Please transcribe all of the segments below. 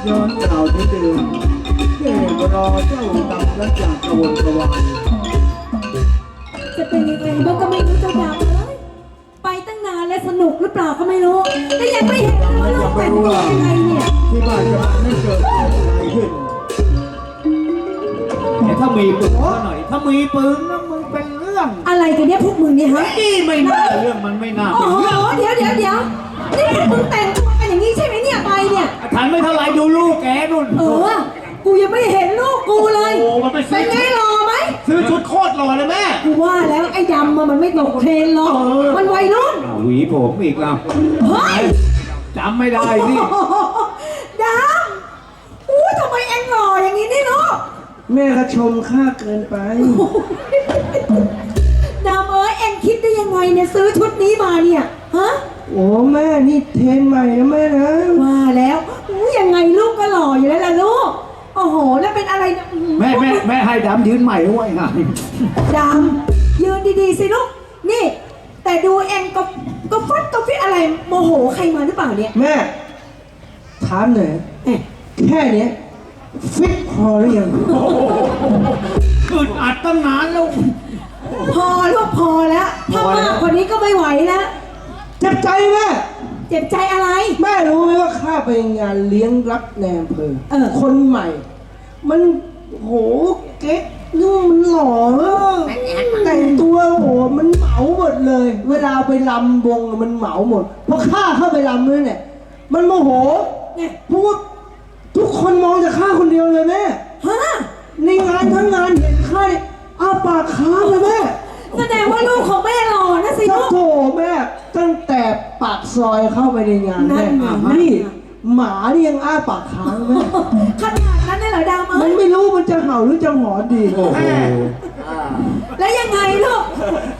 ย้อนกล่าวที่เดิมเก็บรอเจ้าดำและจากกระวนกระวายจะเป็นยังไงบ้างก็ไม่รู้เจ้าดำเลยไปตั้งนานและสนุกหรือเปล่าก็ไม่รู้แต่ยังไม่เห็นเลยว่าลูกแต่งตัวยังไงเนี่ยที่บ้านจะไม่เกิดอะไรขึ้นแต่ถ้ามีปืนซะหน่อย ถ้ามีปืนนะมึงเป็นเรื่องอะไรกันเนี่ยพวกมึงเนี่ยฮะนี่ไม่น่าเรื่องมันไม่น่าโอ้เป็นโหเรื่องเดี๋ยวนี่พวกมึงแต่งตัวกันอย่างนี้ใช่ไหมเนี่ยไปเนี่ยทันไม่เท่าไรดูลูกแกนุ่นกูยังไม่เห็นลูกกูเลยโอ้มันไปซื้เป็อนไงหล่อไหมซื้อชุดโคตรหล่อเลยแม่กูว่าแล้วไอ้ดำมันไม่ตกเทรนหรอกมันวัยรุ่นหวีผมอีกแล้วเฮ้ยจำไม่ได้สิโอ้โหดำอู้ทำไมเอ็งหล่ออย่างนี้นี่ลูกแม่ก็ชมข้าเกินไปดำเอ็งคิดได้ยังไงเนี่ยซื้อชุดนี้มาเนี่ยฮะโอ้แม่นี่เทรนใหม่นะแม่นะว่าแล้วอู้ยังไงลูกก็หล่ออยู่แล้วล่ะลูกโอ้โหแล้วเป็นอะไรเนี่ยแม่ให้ดำยืนใหม่ด้วยไงดำยืนดีๆสิลูกนี่ แต่ดูเอ็งก็ฟัดก็ฟิอะไรโมโหใครมาหรือเปล่าเนี่ยแม่ถามหน่อยเอ๊ะแค่เนี้ยฟิตพอหรือยังอึดอัดตั้งนานแล้วพอลูกพอแล้วถ้ามากกว่านี้ก็ไม่ไหวแล้วเจ็บใจแม่เจ็บใจอะไรแม่รู้ไหมว่าข้าไปงานเลี้ยงรับแนมเพอเออคนใหม่ มันโหเก๊กนู่นมันหล่อแต่งตัวโหมันเหมาหมดเลย เวลาไปลำวงมันเหมาหมดเพราะข้าเข้าไปลำด้วยเนี่ยมันโมโหเนี่ยเพราะว่าทุกคนมองแต่ข้าคนเดียวเลยแม่ฮะในงานทั้งงานเห็นข้าเนี่ยอ้าปากค้างเลยแม่แสดงว่าลูกของแม่หล่อนะสิโอ้ลูกโหแม่ตั้งแต่ปากซอยเข้าไปในงานนั่แม่นไงนี่หมานี่ยังอ้าปากค้างแม่ขนาดนั้นเลยเหรอดำมันไม่รู้มันจะเห่าหรือจะหอนดีโอ้โหแล้วยังไงลูก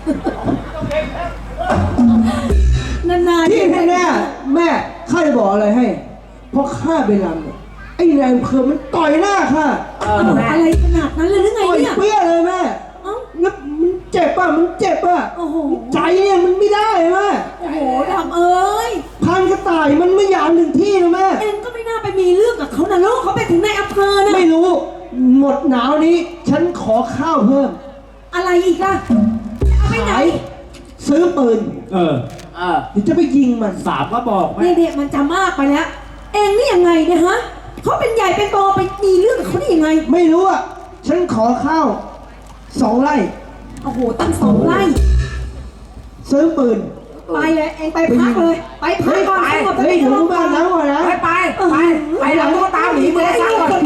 นานๆที่แน่ๆแม่ข้าจะบอกอะไรให้เพราะข้าไปรำเนี่ยไอ้แรงเพลินมันต่อยหน้าข้าอะไรขนาดนั้นเลยหรือไงต่อยเนี่ยเปี้ยเลยแม่เอ้าแล้วมันเจ็บป่ะมันเจ็บป่ะโอ้โหใจเนี่ยมันไม่ได้แม่โอ้โหดำเอ้ยพันกระต่ายมันไม่อยากหนึ่งที่นะแม่เอ็งก็ไม่น่าไปมีเรื่องกับเขานะลูกเขาไปถึงในอำเภอนะไม่รู้หมดหนาวนี้ ฉันขอข้าวเพิ่มอะไรอีกล่ะเอาไปไหนซื้อปืนเออเดี๋ยวจะไปยิงมันสามก็บอกแม่เนี่ยมันจะมากไปแล้ว เอ็งนี่ยังไงเนี่ยฮะเขาเป็นใหญ่เป็นโตไปมีเรื่องกับเขาได้ยังไงไม่รู้อ่ะฉันขอข้าว2 ไร่โอ้โหตั้ง2 ไร่ซื้อปืนไปเลยเอ็งไปพักเลย ไปพักก่อนสงบสเฮ้ยติอยู่อารมณ์ก่บ้าอน นแล้วก่อนนะไปหลังตุ๊กตาหมีมือซ้ายก่อน